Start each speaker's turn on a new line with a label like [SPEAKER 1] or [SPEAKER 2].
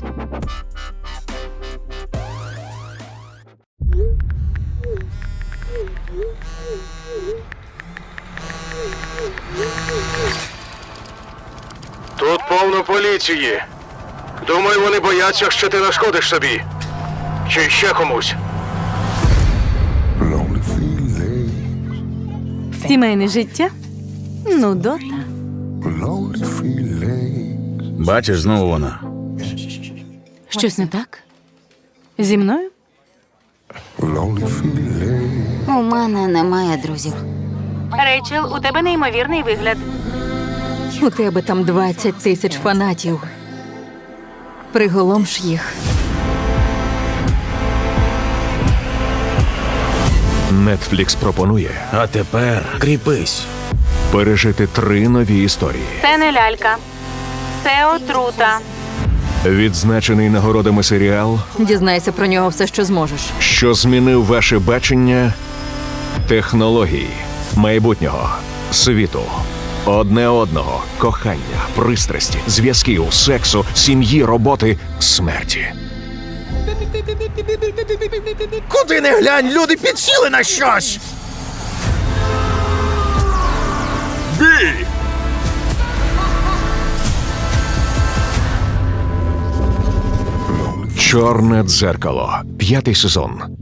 [SPEAKER 1] Тут повно поліції. Думаю, вони бояться, що ти нашкодиш собі. Чи ще комусь.
[SPEAKER 2] Сімейне життя? Нудота.
[SPEAKER 3] Бачиш, знову вона.
[SPEAKER 2] Щось не так? Зі мною?
[SPEAKER 4] У мене немає друзів.
[SPEAKER 2] Рейчел, у тебе неймовірний вигляд.
[SPEAKER 5] У тебе там 20 тисяч фанатів. Приголомш їх.
[SPEAKER 6] Netflix пропонує
[SPEAKER 3] А тепер кріпись.
[SPEAKER 6] пережити 3 нові історії.
[SPEAKER 2] Це не лялька. Це отрута.
[SPEAKER 6] Відзначений нагородами серіал,
[SPEAKER 5] Дізнайся про нього все, що зможеш.
[SPEAKER 6] що змінив ваше бачення технологій, майбутнього, світу, одне одного, кохання, пристрасті, зв'язків, сексу, сім'ї, роботи, смерті.
[SPEAKER 3] Куди не глянь, люди підсіли на щось! Бій!
[SPEAKER 6] Чорне дзеркало. 5-й сезон.